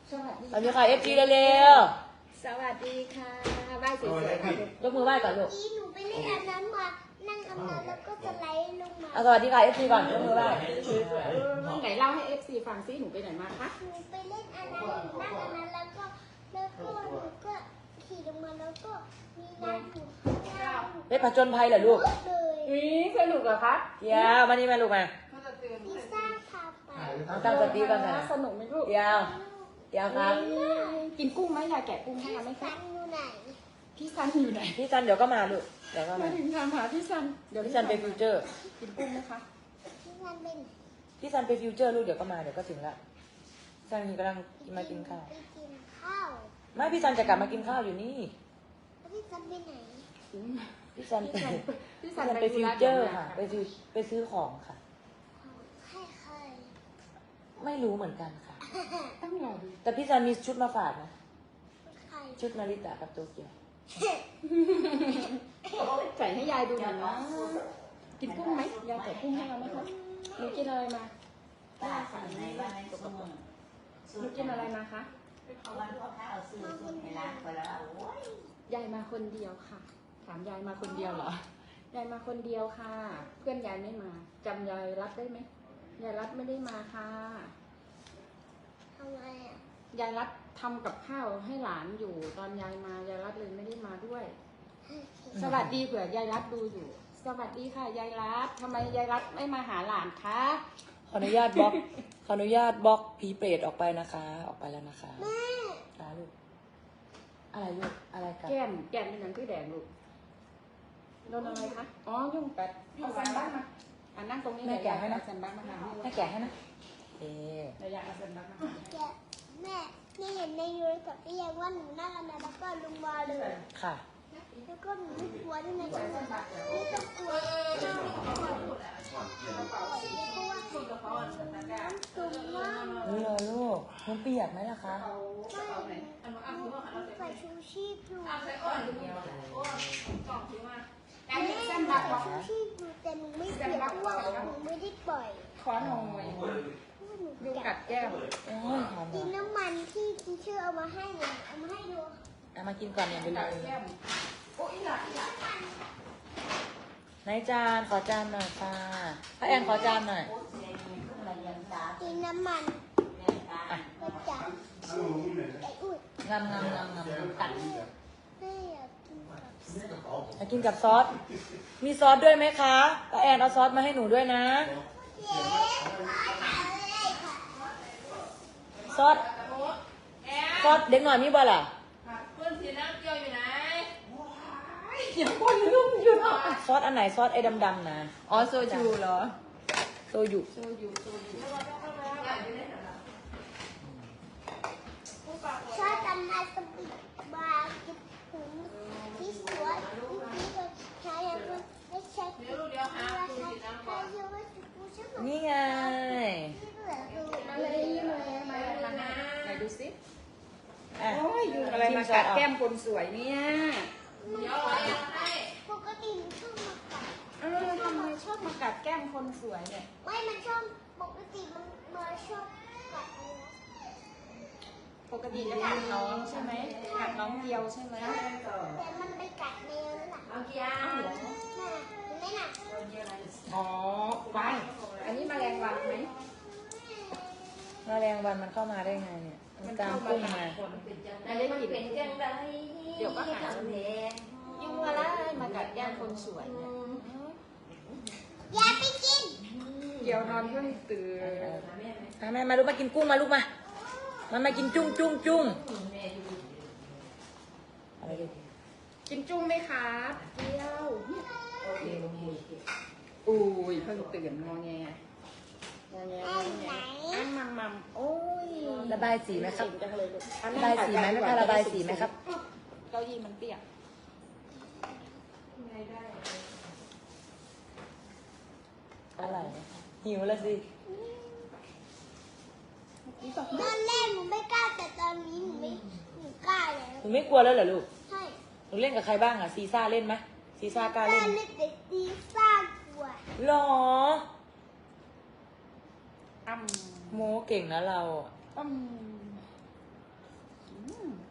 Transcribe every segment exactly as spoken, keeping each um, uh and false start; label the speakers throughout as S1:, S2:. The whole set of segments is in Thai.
S1: สวัสดี
S2: สวัสดีค่ะเอฟจีเร็ว
S1: สวัสดีค่ะไหว้สวยๆค่ะ
S2: ๆยกมือไหว้ก่อนลูก
S3: หนูไปเล่นอันนั้นมา นั่งอันนั้นแล้วก็สไลด์ลงมา
S2: เอาสวัสดีค่ะเอฟซีก่อนยกมือไหว้
S1: ไหนเล่าให้เอฟซีฟังซิหนูไปไหนมาคะ
S3: หนูไปเล่นอันนั้นหนูนั่งอันนั้นแล้วก็แล้วก็หนูก็ขี่ลงมาแล้วก็มีน้ำอยู่ข้างล่าง
S2: เล่นผจญภัยเหรอลูก
S3: เลย
S1: อุ้ยสนุกเหรอคะ
S2: เดี๋ยวมานี่มาลูกมา
S3: พิซซ่าพาไป
S2: ตั้งสติก่อนนะ
S1: สนุกไหมลูก
S2: เดี๋ยวเดี๋ยวครับ
S1: กินกุ้งไหมยายแกะกุ้งให้เราไหม
S3: สั
S1: คะ
S3: นอยู่ไหน
S1: พี่ซันอยู่ไหน
S2: พี่ซันเดี๋ยวก็มาลูกเดี๋ยวก็
S1: มา
S2: มา
S1: ถึงทางหาพี่ซันเดี๋ยว
S2: พี่ซันไปฟิวเจอร์
S1: กินกุ้งไหมคะ
S3: พี่สันเป็นไหน
S2: พี่ซันไปฟิวเจอร์ลูกเดี๋ยวก็มาเดี๋ยวก็ถึงละพี่ซันกำลังมากินข้าว
S3: ไปกินข้าว
S2: ไม่พี่ซันจะกลับมากินข้าวอยู่นี่
S3: แล้วพี่สันไปไหน
S2: พี่ซันไป
S1: พี่
S2: พี่
S1: ซั
S2: ซั
S1: น
S2: น
S1: ไป
S2: ไปฟิวเจอร์ค่ะไปฟิวไปซื้อของค่ะ
S3: ให้ใคร
S2: ไม่รู้เหมือนกันค่ะ
S1: ต้องรอดู
S2: แต่พี่ซันมีชุดมาฝากนะ
S3: ใคร
S2: ชุดนาริตะกับโตเกียว
S1: ใส่ให้ยายดูหน่อยนะกินกุ้งไหมยายแกะกุ้งให้เราไหมคะหนูกินอะไรมา
S4: ตาสั่งในว่าในสมุน
S1: หนูกินอะไรมาคะ
S4: เอาวันลูกค้าเอาซื้อซื้อให้ร้านไปแล้วโอ้ย
S1: ยายมาคนเดียวค่ะ ถามยายมาคนเดียวเหรอ ยายมาคนเดียวค่ะ เพื่อนยายไม่มาจำยายรัดได้ไหมยายรัดไม่ได้มาค่ะ
S3: ทำไมอ่ะ
S1: ยายรัดทำกับข้าวให้หลานอยู่ ตอนยายมายายรัดเลยไม่ได้มาด้วย สวัสดีเผื่อยายรัดดูอยู่ สวัสดีค่ะยายรัดทำไมยายรัดไม่มาหาหลานคะ
S2: ขออนุญาตบล็อก ขออนุญาตบล็อกผีเปรตออกไปนะคะ ออกไปแล้วนะคะ
S3: แม่
S2: จ้าลูก อะไรลูก อะไรกัน
S1: แก้มแก้มเป็นหนังที่แดงลูกโดนอะไรคะ อ๋อ ยุ่งกัดเอาแซนบ้างมาอ่ะนั่งตรงนี้เลยเอาแซนบ้างมาหา
S2: ให้แกะให้นะเอ๊ะ
S1: เดี๋ยวอยากเอาแซนบ้างมาหา
S3: แกแม่นี่เห็นในยูทูบที่ยังว่าหนูนั่งอันนั้นแล้วก็ลงมาเลย
S2: ค่ะ
S3: แล้วก็หนูไม่กลัวด้วยนะจ๊ะไม่ต้องกลัวเพราะว่าตุ่มมาก
S2: นี่เลยลูกมันเปียกไหมล่ะคะ
S3: ไม่ใส่ชูชีพอยู่
S1: แซนบ้าง
S3: แม่
S1: แซนบ้าง
S3: ชูชีพอยู่แต่หนูไม่เปียกเพราะว่าหนูไม่ได้ปล่อย
S1: ขอหน่อย
S3: เพราะว่าหนู
S1: ยุง
S3: กั
S1: กั
S3: ด
S1: ดแก้ม
S2: โอ้ยหอม
S3: กิน
S2: เหรอ
S3: น้ำมันที่ทีเชอร์เอามาให้หนูเอามาให้ดู
S2: เอามากินก่อนเนี่ยไปเล
S1: กัด
S2: ย
S1: แก้มโอ้ยหลับหลับ
S2: ไหนจานขอจานหน่อยค่ะพระแอนขอจานหน่อย
S4: โอ้ยเสียงมันขึ้นมาเรียนตา
S3: กินน้ำมัน
S4: เรียนตา
S2: อ่ะ
S3: ก็จับไอ้อุ้ย
S2: งามงามงามงามกัด
S3: แม่อยากกินกับ
S2: มากินกับซอส มีซอสด้วยไหมคะพระแอนเอาซอสมาให้หนูด้วยนะ
S3: เย้เลยค่ะ
S2: ซอส ซอสเด็กหน่อยมีบ่ล่ะ
S1: เพื่อนสีน้ำเกลียวอยู่ไหนอย่าคนลืมอยู่หน่อย
S2: ซอสอันไหนซอสไอ้ดำๆนะ
S1: อ๋อโซจูเหรอ
S2: โซยุ
S1: โซยูโซยู
S3: ชอบทำมาสปิดบาร์กินถุงที่สวยที่ที่เราใช้แล้วก็ไม่ใช้เดี๋ยวเดี๋ยวหาคุณสีน้ำก่อน
S2: นี่ไง
S1: มาเลยมาเลยมาเลยมาไหนดูสิ
S2: อ่ะ
S1: โอ้ยยุงอะไรมากัดแก้มคนสวยเนี่ย
S3: ปกติมันชอบมากัด
S1: เออทำไมชอบมากัดแก้มคนสวยเนี่ย
S3: ไม่มันชอบปกติมันมาชอบกัดอะไรนะ
S1: ปกติจะกัดน้องใช่ไหมกัดน้องเดียวใช่ไหม
S3: แต่มันไปกัดแมวแล้วล่ะ
S4: เอาเกียร์
S1: อ้าวเหรอ
S3: น่ะเห็นไหมน่ะ
S1: อ๋อวันอันนี้แมลงวันไหม
S2: แมลงวันมันเข้ามาได้ไงเนี่ย มันตามกุ้งมา
S1: คน
S4: นั่นเลยมันเป็นจังไร
S1: เดี๋ยวก็หา
S4: แดง
S1: ยุงอะไรมากัดแก้มคนสวยเนี่ย
S3: อย่าไปกิน
S1: เกี่ยวนอนเพิ่งตื่น
S2: มาแม่มาลูกมากินกุ้งมาลูกมา มันมากินจุ้งจุ้งจุ้งอะไรดิ
S1: กินจุ้งไหมครับเกี๊ยวเนี่ย
S4: โอเคโอเค
S1: อุ้ยเพิ่งตื่นงอแงงอแงงอแงอันมัมมัมโอ้ย
S2: ระบายสีไหมครับ
S1: เก่งจังเลยลูกอัน
S2: ระบายสีไหมแม่คะระบายสีไหมครับ
S1: เก้าอี้มันเปียก
S2: อะไรหิวแล้วสิ
S3: ตอนแรกหนูไม่กล้าแต่ตอนนี้หนูไม่หนูกล้าแล้ว
S2: หนูไม่กลัวแล้วเหรอลูก
S3: ใช่
S2: หนูเล่นกับใครบ้างอะซีซ่าเล่นไหมซีซ่ากล้าก
S3: ล้า
S2: เล่น
S3: เล่นแต่ตีสร้างกลัว
S2: หรอ
S1: อ้ำ
S2: โมเก่งนะเราอะ
S1: อ้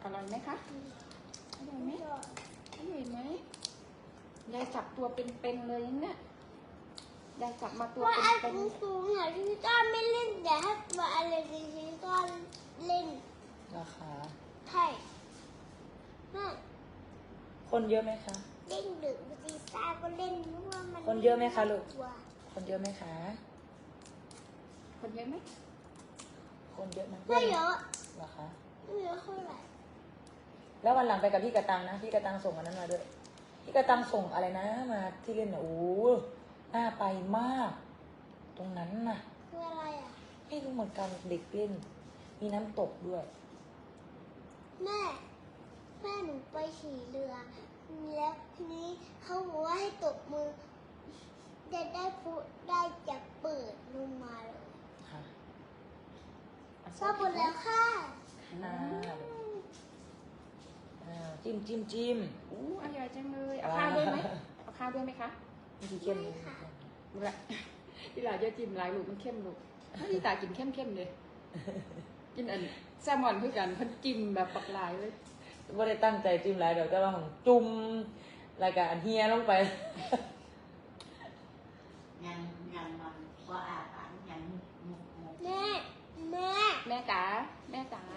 S1: ร่อยไหมคะอร่อยไหมอร่อยไหมยายจับตัวเป็นๆเลยเนี่ยยายจับมาตัว
S3: ว่าไอ้
S1: เป็น
S3: สูงสูงๆอ่ะที่ก้อนไม่เล่นแต่ถ้าว่าอะไรที่ก้อนเล่น
S2: ราคา
S3: ใช่ไม่
S2: คนเยอะไหมคะ
S3: เล่นดึกบางทีตาก็เล่นเพราะว่ามัน
S2: คนเยอะไหมคะลูก
S3: ลัว
S2: คนเยอะไหมคะ
S1: ๆคนเยอะไหม
S2: คนเยอะไหม
S3: ไม่เยอะ
S2: เหรอคะ
S3: ไม่เยอะเท่าไหร่
S2: แล้ววันหลังไปกับพี่กระตังนะพี่กระตังส่งอันนั้นมาด้วยพี่กระตังส่งอะไรนะมาที่เล่นน่ะโอ้น่าไปมาก ตรงนั้นน่ะ
S3: คืออะไรอ่ะ
S2: ไม่รู้เหมือนกันเด็กเล่น มีน้ำตกด้วย
S3: แม่ แม่หนูไปขี่เรือแล้วทีนี้เขาบอกว่าให้ตบมือจะได้พูดได้จะเปิดลงมาเลย
S2: ค่ะ
S3: ชอบหมดแล้วค่ะ
S2: น่าอ่าจิ้มจิ้มจิ้ม
S1: อู้อร่อยจังเลยเอาข้าวด้วยไหมเอาข้าวด้วยไหมคะ
S2: นี่คือเข้มเลย
S1: ดูละที่หลานจะจิ้มหลายลูกมันเข้มลูกที่ตากินเข้มๆเลย กินอันแซลมอนเพื่อกันเพิ่นจิ้มแบบปักหลายเลย
S2: ไม่ได้ตั้งใจจิ้มหลายเดี๋ยวแต่ว่าของจุ่มรายการเฮียลงไป
S4: ยังยังมันก็อาหารยังมุกมุก
S3: แม่แม่
S1: แม่จ๋าแม่จ๋า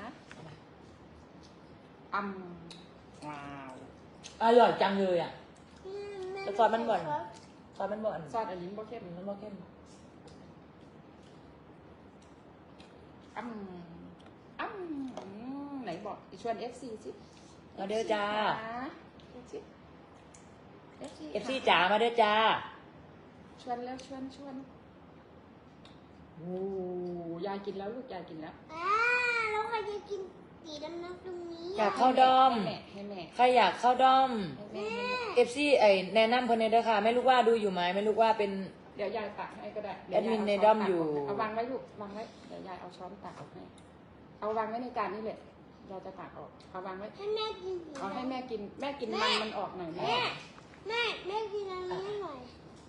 S1: อืมว้าว
S2: อร่อยจังเลยอ่ะ
S3: แม่
S2: แต่ซอสมันบ่อนซอสมันบ่อน
S1: ซอสอันนี้บ่เข้ม
S2: มันบ่เข้ม
S1: อืมอืมอืมไหนบอกชวน เอฟ ซี สิ
S2: มาเด้อจ้า
S1: เอฟซี
S2: เอฟซีจ๋ามาเด้อจ้า
S1: ชวนแล้วชวนชวนโอ้ยายกินแล้วลูกยายกินแล้ว
S3: อ่าแล้วใครจะกินสีดำน้ำตรงนี้
S2: อยากเข้าด้อม
S1: ให้แม่ให้แม่
S2: ใครอยากเข้าด้อม
S1: ให้แม่ให้แม่
S2: เอฟซีไอแนะนำคนในเด้อค่ะ ไม่รู้ว่าดูอยู่ไหมไม่รู้ว่าเป็น
S1: เดี๋ยวยายตักให้ก็ได้
S2: แอดมิน
S1: เย
S2: ใน
S1: ยาย
S2: ด้
S1: เา
S2: อม
S1: ช้นตัก
S2: อยู่
S1: เอาวางไว้ลูกวางไว้เดี๋ยวยายเอาช้อนตักออกให้เอาวางไว้ในจานนี่แหละยายจะตักออกเอาวางไว้
S3: ให้แม่กินสี
S1: เอาให้
S3: ดำ
S1: แม่กินแม่กินมันมันออกหน่อยแม่
S3: แม่แม่แม่กินอันนี้ให้หน่อย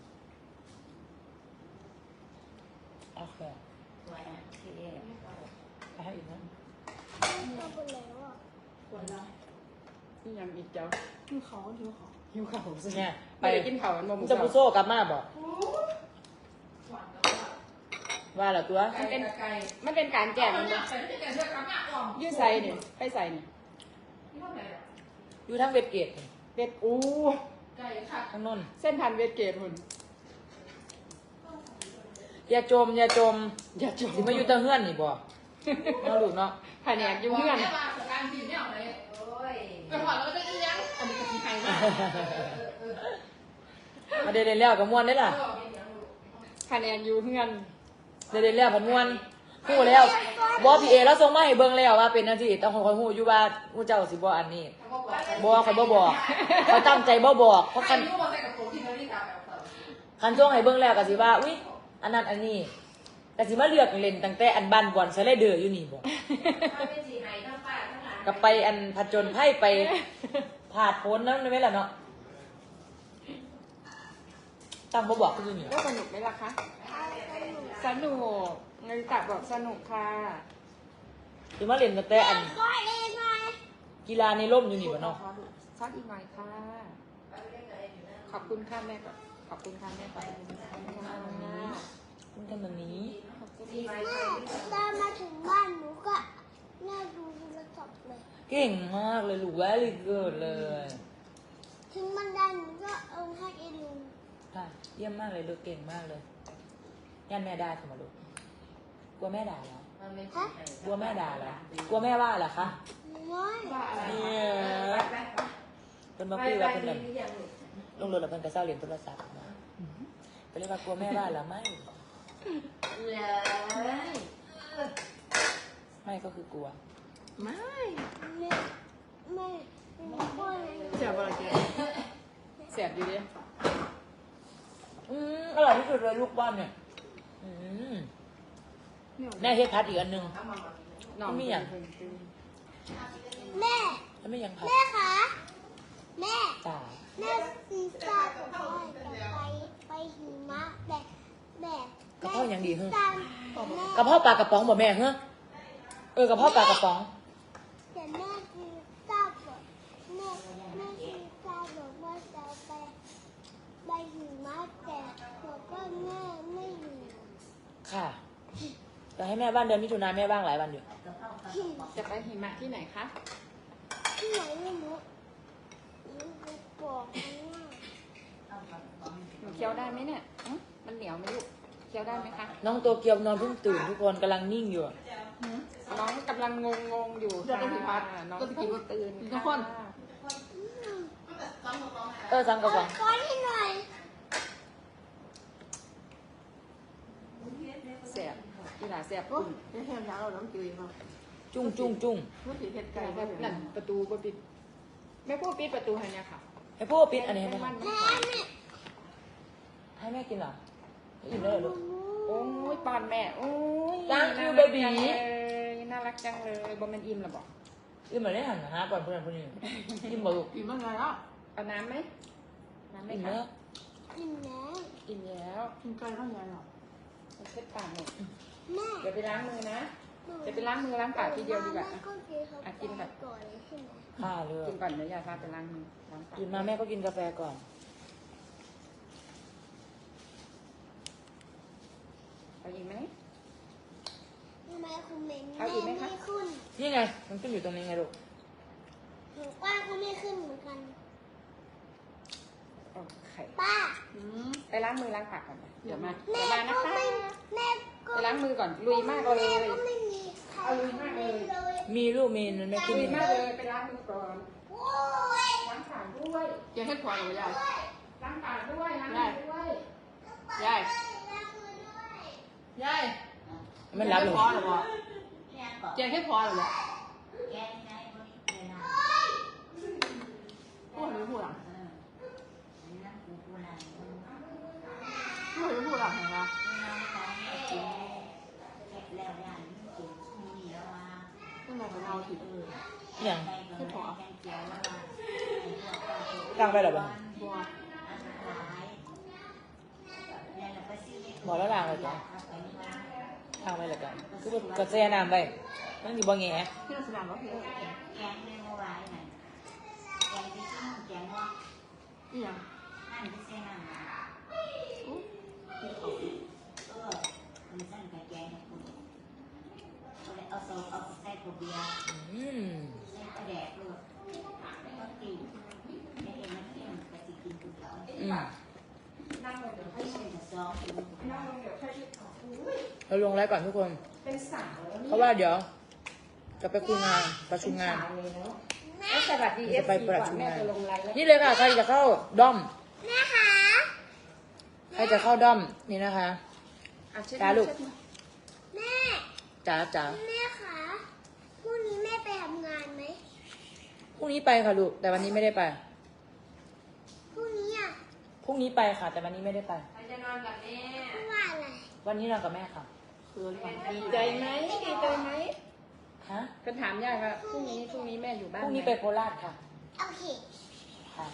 S2: โอเค
S4: สวยอ่ะที่
S2: ไปให้อีกนะ
S3: ชอบหมดแล้วอ่ะ
S4: คนเรา
S1: นี่ยังอีกเจ้าหิวเขาหิวเขาหิวเขาสิ
S2: เนี่ย
S1: ไปได้กินเขามันบ่หมู
S2: จะ
S1: เจ้า
S2: บุโซ่กลับมาบอกว่าเหรอตัว
S1: มันเป็นมันเป็นการแจกมันบ่ยืดใส่เนี่ยไปใส่เนี่ย
S2: อยู่ทั้งเวทเกต
S1: เวทอู้
S2: ทั้งนน
S1: เส้นพันเวทเกตหุ่น
S2: อย่าจมอย่าจม
S1: อย่าจม
S2: สิมาอยู่แตะเฮือนนี่บอกเนาะลูกเนาะ
S1: แผนกอยู่เพื่อน
S4: โอ้ย
S1: อันนี้ก็กินไทยมาก
S2: มาเดินเล่นแล้วกับมวนได้ล่ะ
S1: แผนกอยู่เพื่อน
S2: เดินเล่นแล้วผันมวนฮู้แล้วบอพีเอแล้วส่งมาให้เบิ่งแล้วว่าเป็นอันที่ต้องคอยฮู้อยู่ว่าฮู้เจ้าสิบ่อันนี้บ่คอยบ่บอกเขาตั้งใจบ่บอกเพราะคันคันส่งให้เบิ่งแล้วก็สิว่าอุ๊ยอันนั้นอันนี้ก็สิมาเลือกเล่นตั้งแต่อันบ้านบอนสไลเดอร์อยู่นี่บ่
S4: เป็นสีไหนทั้งป้าทั้งหลาน
S2: ก็ไปอันผจญภัยไปผาดพ้นนั้นได้ไหมล่ะเนาะตั้งบ่บอกก็อยู่นี่
S1: ก็สนุกไหมล่ะคะ สนุกเงินตักบอกสนุกค่ะ
S2: สิมาเล่นตั้งแต่อัน
S3: ก็เองหน่อย
S2: กีฬาในร่มอยู่นี่บ่เนาะ
S1: ซอสอีกหน่อยค่ะ ขอบคุณค่ะแม่ก่อนขอบคุณค่ะแม่ก่อนขอบคุณค่ะ
S2: คุณทำแบบนี้
S1: ขอบคุณ
S3: แม่ตอนมาถึงบ้านหนูก็แม่ดูโทรศัพท์เลย
S2: เก่งมากเลยลูกแวลีเกิดเลย
S3: ถึงบันไดหนูก็เอาให้ไอ้ลุง
S2: ค่ะเยี่ยมมากเลยลูกเก่งมากเลยยันแม่ด่าทำไมลูกกลัวแม่ด่าเหรอ
S4: มันไม่ใช่
S2: กลัวแม่ด่าเหรอกลัวแม่ว่าเหรอคะ
S3: น้อย
S2: เนี่ยเป็นมาคุยว่าเป็นแบบลงรถแล้วเพิ่นก็เศร้าเรียนโทรศัพท์นะก็เลยว่ากลัวแม่ว่าเหรอไม่
S4: เลย
S2: ไม่ก็คือกลัว
S1: ไม่
S3: แม่แม่หนูก็เลย
S1: เสียบอะไรแกเสียบอยู่ดิ
S2: อืมอร่อยที่สุดเลยลูกบ้านเนี่ยอืมแม่เฮ็ดพัดอีกอันหนึง
S1: น้อง
S2: ไม่อยาก
S3: แม่
S2: แล้วไม่ยังพัด
S3: แม่คะแม่
S2: จ๋า
S3: แม่ซีซ่ากับพ่อจะไปไปหิมะแบบแบบ
S2: กระเพาะยังดีเฮ้
S3: ตามแม่
S2: กระเพาะปลากระป๋องบ่แม่เฮ้อเออกระเพาะปลากระป๋อง
S3: แต่แม่คือม่แม่ชีตาบอกว่าจะไปไปหิมะแต่บอกว่าแม่ไม่อยู่
S2: ค่ะจะให้แม่บ้านเดือนมิถุนาแม่บ้างหลายวันอยู่
S1: จะไปหิมะที่ไหนคะ
S3: ที่ไหนไม่รู้หนูไปบอกมันว่า
S1: หนูเคี้ยวได้ไหมเนี่ยอื้อมันเหนียวไหมลูกเคี้ยวได้ไหมคะ
S2: น้องโตเกียวนอนเพิ่งตื่นทุกคนกำลังนิ่งอยู่
S1: น้องกำลังงงงๆอยู่ค่ะน้องเพิ่งตื่นทุกคน
S2: เออสั่งกับสั่ง
S3: ก้อนให้หน่อย
S1: เสียบกีฬาเสียบปุ้ง
S4: ไม่ใช่แล้วเราต้องกินมั้ง
S2: จุ้งจุ้งจุ้ง
S4: เมื่อกี้เห็ด
S1: ไก่
S4: ไก่
S1: แบ
S4: แบบ บ
S1: นั่นประตูก็ปิดไม่พูดปิดประตูให้เนี่ยค่ะ
S2: ให้พวกปิดอันนี้ให้แม่
S1: มัน
S3: แม่แม่
S2: ให้แม่กินเหรออิ่มแล้วเหรอลูก
S1: โอ้ยปอนแม่โอ้ย
S2: Thank you
S1: น่ารัก
S2: baby
S1: จังเลยน่ารักจังเลยบอมันอิ่มหรอบอก
S2: อิ่มเหมือนได้หันหาก่อนเพื่อนคนนี้อิ่มบ่ลูก
S4: กินเมื่อไงอ่ะ
S1: เอาน้ำไหมน้ำไหม
S2: อิ่ม
S1: คะ
S2: แล้ว
S3: กินแล้ว
S1: อิ่มแล้ว
S4: กินไก่เมื่อไงหรอ
S1: เอาเช็ดปากหน่อย
S3: แม่
S1: เดี๋ยวไปล้างมือนะจะไปล้างมือล้างปากทีเดียวดีกว่า
S3: แม่ก็กินเขา
S1: อ่ะกินแบบ
S3: ก่อนเลยใช่ไหม
S2: ข้าเลย
S1: กินก่อนเดี๋ยวยายพาไปล้างมือล้างปาก
S2: ตื่นมาแม่ก็กินกาแฟก่อน
S1: เอาอีกไหม
S3: ทำไมคุณเมน
S1: เอาอีกไหมคะ
S3: ไม่ขึ้น
S2: นี่ไงมันขึ้นอยู่ตรงนี้ไงลูก
S3: หนูป้าก็ไม่ขึ้นเหมือนกัน
S1: โอเค
S3: ป้า
S4: อืม
S1: ไปล้างมือล้างปากก่อนนะเดี๋ยวมา
S3: แม่
S1: เดี๋ยวมานะ
S3: ก็
S1: คะ
S3: ไม่แม่ก็
S1: ไปล้างมือก่อนลุยมากเลย
S3: แม่ก็ไม่มีใคร
S1: เอาลุยมากเลย
S2: มีลูกมีมันไม่ขึ้น
S1: ลุย
S2: นี่
S1: มากเลยไปล้างมือก่อน
S3: โอ้ย
S1: ล้างปากด้วย
S4: กินเห็ดพอหรือยาย
S1: ล้างปากด้วยล้างมือด้วย
S4: ยายยาย
S2: มันรับ
S4: เห็
S2: เล
S4: ด
S2: ย
S4: พอหรือเปล่าแกงเห็ดพอหรือเปล่าพูดหรือพูดอ่ะพูดหรือพูดอ่ะเห็นปะตั้งแต่เป็นเอาผิดเออ
S2: อย่าง
S4: เห็ดพอ
S2: ตั้งไปหรอบ้าง
S4: บัว
S2: บอกแล้วล้างเลยจ้ะล้างไปเลยกันคือแบบกระแสน้ำไปนั่นอยู่บ่แง่
S4: ที่เราแสดงว่าพี่เอออีหยังอู้กินเขา
S2: อืม อืมเราลงไลฟ์ก่อนทุกคน
S1: เป็นสาวแล้ว
S2: เพราะว่าเดี๋ยว จะไปคุยงานประชุมงาน
S1: แล้วสวัสดีเอ
S2: จะ
S1: ฟ
S2: ไป
S1: ซี
S2: ประ
S1: ก่อน
S2: ชุม
S1: แม่
S2: งาน
S1: จะลงไลน์แล้ว
S2: นี่เลยค่ะ ใครจะเข้าด้อม
S3: แม่คะ
S2: ใครจะเข้าด้อมนี่นะคะ
S1: อ่ะเช็ด
S2: จ้าลูก
S1: เช็ดมือ
S3: แม่
S2: จ๋าจ๋า
S3: แม่คะพรุ่งนี้แม่ไปทำงานไหม
S2: พรุ่งนี้ไปค่ะลูก แต่วันนี้ไม่ได้ไป
S3: พรุ่งนี้อ่ะ
S2: พรุ่งนี้ไปค่ะ แต่วันนี้ไม่ได้ไป
S3: เพราะว่าอะไร
S2: วันนี้นอนกับแม่ค่ะ
S4: คือหลัง
S1: ดีใจไหมดีใจไหม
S2: ฮะ
S1: เป็นถามยายว่าพรุ่งนี้พรุ่งนี้แม่อยู่บ้าน
S2: พรุ่งนี้
S1: หม
S2: ไปโคราชค่ะ
S3: โอเค
S2: ค่ะ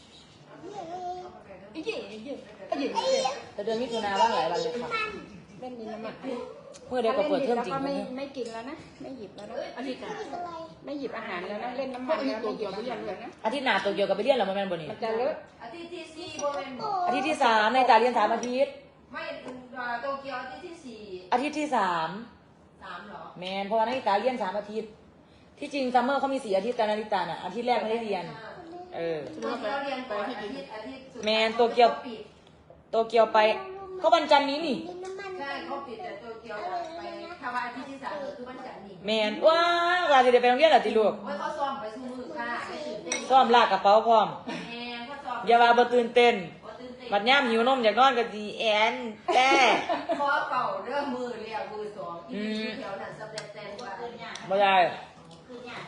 S1: อีเย่อีเย่อีเย่
S2: แต่เดือนมิถุนาว่างหลายวันเลยค่ะ
S1: เล่นดินน้ำมัน
S2: เมื่อเดียวก็เปิดเทอมจริง
S1: แล้วก็
S2: เล
S1: ไม่
S2: ย
S1: ไม่กินแล้วนะ ไม่หยิบแล้วนะ
S4: อาทิตย์กัน
S3: อะไร
S1: ไม่หยิบอาหารแล้วนะ เล่นน้ำมันแล้วไม่หยิบอาหารเลยนะ
S2: อาทิตย์หน้าโตเกียวกับไปเรียนเหรอมาแมนบนี่
S1: มันจะเลอะ
S5: อาทิตย์ที่สี่โบเวน
S2: อาทิตย์ที่สามในตาเรียนสามอาทิตย์
S5: ไม่โตเกียวอาทิตย์ที่สี่
S2: อาทิตย์ที่สาม
S5: สามเหรอ
S2: แมนเพราะว่านาฬิตาเรียนสามอาทิตย์ ที่จริงซัมเมอร์เขามีสี่อาทิตย์แต่นาฬิตาน่ะอาทิตย์แรกไม่ได้เรียน เออ
S5: โตเกียวเรียนก่อนอาทิตย์อาทิตย์สุดท้าย
S2: แมนโตเกียว
S5: ปิด
S2: โตเกียวไปเขาวันจันทร์นี้นี่
S3: ดินน้ำมัน
S5: ใช่เขาปิดแต่โตเกียวไปถ้าว่าอาทิตย์ที่สามคือวันจันทร์นี่
S2: แมนว้าวว่าจะได้ไปโรงเรียนเหรอติลูก
S5: ไว้เขาซ้อมไปสู้มือค่ะไม่ตื่นเต้น
S2: ซ้อมลากกระเป๋าพร้อม
S5: แม่เขาซ้อม
S2: อย่าว่าบ่ตื่นเต้น
S5: บ่ตื่นเต้น
S2: บัดย่ามหิวนมอยากนอนก็ดีแอนแต่
S5: คอเก่าเรื่องมือเรียกมือสองที่มีชื่อแถวนั้นสำเร็จแต่ว่า
S2: บ่ได้
S5: เ